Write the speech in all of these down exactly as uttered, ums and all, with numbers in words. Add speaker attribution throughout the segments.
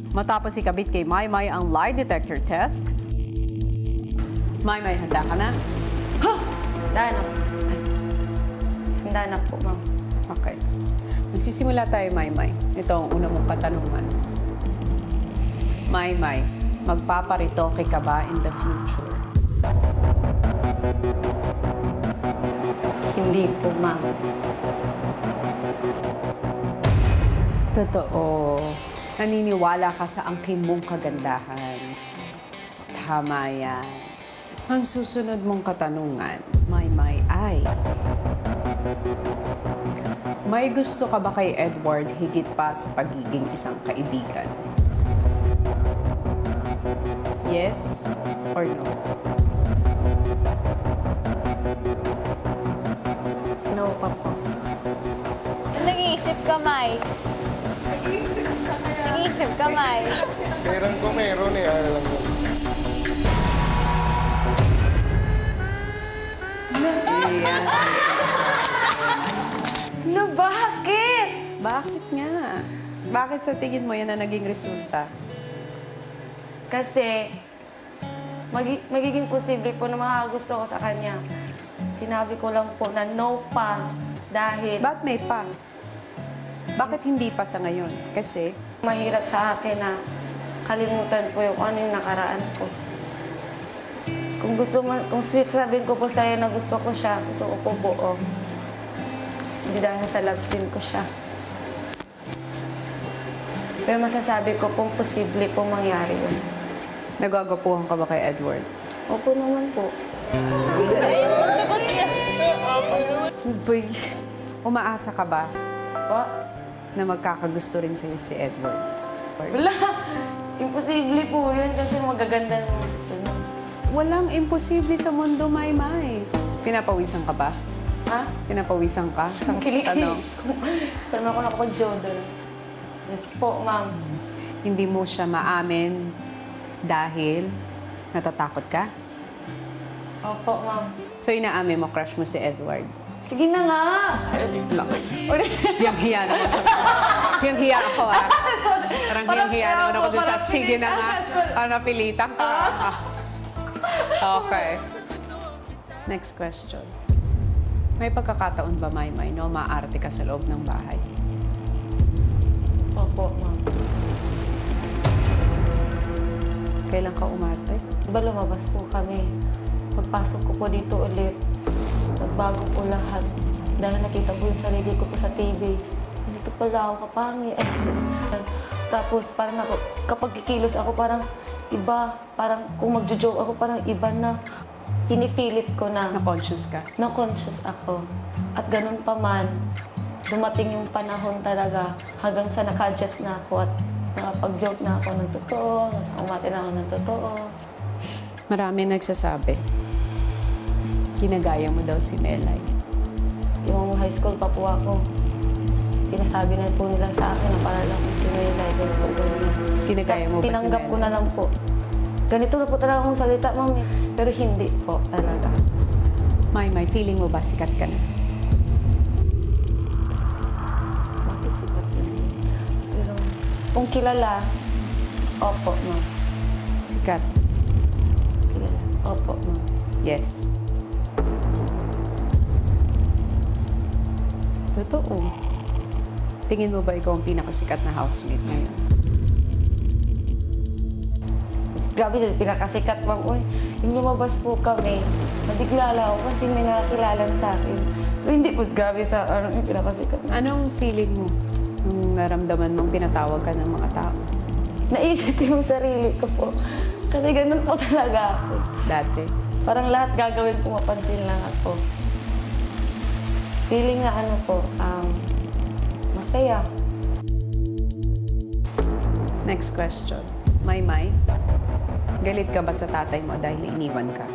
Speaker 1: Matapos ikabit kay Maymay ang lie detector test, Maymay, handa ka na?
Speaker 2: Huh! Handa na. Handa na po, ma'am.
Speaker 1: Okay. Magsisimula tayo, Maymay. Ito ang una mong katanungan. Maymay, magpaparitoke ka ba in the future?
Speaker 2: Hindi po, ma'am.
Speaker 1: Totoo. Naniniwala ka sa angkin mong kagandahan. Tama yan. Ang susunod mong katanungan, Maymay, ay... May gusto ka ba kay Edward higit pa sa pagiging isang kaibigan? Yes or no?
Speaker 2: No pa po.
Speaker 3: Nag-iisip ka, May. Nag-iisip ka, May.
Speaker 4: Meron ko meron eh, ano lang yun.
Speaker 1: Ayan.
Speaker 2: No, bakit?
Speaker 1: Bakit nga? Bakit sa tingin mo yan na naging resulta?
Speaker 2: Kasi, magi magiging posible po na makagusto ko sa kanya. Sinabi ko lang po na no pa dahil
Speaker 1: Bakit may pa? Bakit hindi pa sa ngayon? Kasi,
Speaker 2: mahirap sa akin na kalimutan po yung ano yung nakaraan ko. Kung gusto man, kung sweet sabihin ko po sa'yo na gusto ko siya, gusto ko po buo. Hindi dahil sa love team ko siya. Pero masasabi ko pong posible pong mangyari yun.
Speaker 1: nagagapuhan ka ba kay Edward?
Speaker 2: Opo naman po.
Speaker 3: Ayun, pagsagot niya.
Speaker 1: Boy, umaasa ka ba
Speaker 2: Po?
Speaker 1: na magkakagusto rin sa'yo si Edward?
Speaker 2: Wala. Imposible po yun kasi magaganda ng gusto niya.
Speaker 1: Walang imposible sa mundo, Maymay. Pinapawisan ka ba?
Speaker 2: Ha?
Speaker 1: Pinapawisan ka? Sa
Speaker 2: Kilikili.
Speaker 1: tanong,
Speaker 2: Pero ako nakapag-jodel. Yes po, ma'am.
Speaker 1: hindi mo siya maamin dahil natatakot ka?
Speaker 2: Opo, ma'am.
Speaker 1: So, inaamin mo, crush mo si Edward?
Speaker 2: Sige na nga!
Speaker 1: Lux. Yang hiya naman ako. Yang hiya ako, ah. Parang yang hiya naman ako dun sa, sige na nga. Parang napilitan ka. Okay. Next question. May pagkakataon ba, Maymay, no, maaarte ka sa loob ng bahay?
Speaker 2: Opo, ma'am.
Speaker 1: Kailan ka umarte?
Speaker 2: Diba lumabas po kami? Pagpasok ko po dito ulit, nagbago po lahat. Dahil nakita ko yung sarili ko po sa T V. Dito pala ako kapangi. Tapos parang ako, kapag kikilos ako parang iba. Parang kung magjo-joke ako parang iba na. Pinipilit ko na.
Speaker 1: Na-conscious ka?
Speaker 2: Na-conscious ako. At ganun pa man, dumating yung panahon talaga hanggang sa naka-adjust na ako at nakapag-joke na ako ng totoo, umati na ako ng totoo.
Speaker 1: Marami nagsasabi, ginagaya mo daw si Melay.
Speaker 2: Yung high school pa po ako, sinasabi na po nila sa akin na para lang akong si Melay, ganito, ganyan.
Speaker 1: Ginagaya mo ba si
Speaker 2: Tinanggap ko
Speaker 1: Melay?
Speaker 2: na lang po. Ganito na po talaga akong salita, mami. Pero hindi po talaga.
Speaker 1: Maymay, feeling mo ba sikat ka na?
Speaker 2: Makisipat yun. Pero kung kilala, opo, ma'am.
Speaker 1: Sikat?
Speaker 2: Kilala, opo, ma'am.
Speaker 1: Yes. Totoo. Tingin mo ba ikaw ang pinakasikat na housemate ngayon?
Speaker 2: Grabe siya, pinakasikat, ma'am. Uy, yung lumabas po kami, nabigla lang ako kasi may nakakilala na sa akin. Pero hindi po, grabe sa, ano, yung pinakasikat.
Speaker 1: Anong feeling mo nung naramdaman mong tinatawag ka ng mga tao?
Speaker 2: Naisip ko yung sarili ko po. Kasi ganun po talaga ako.
Speaker 1: Dati?
Speaker 2: Parang lahat gagawin ko, mapansin lang ako. Feeling na ano po, um, masaya.
Speaker 1: Next question. Maymay, galit ka ba sa tatay mo dahil iniwan ka?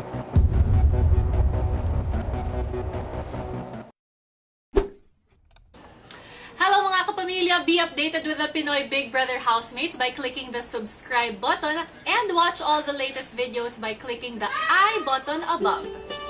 Speaker 5: Hello mga kapamilya! Be updated with the Pinoy Big Brother housemates by clicking the subscribe button and watch all the latest videos by clicking the I button above.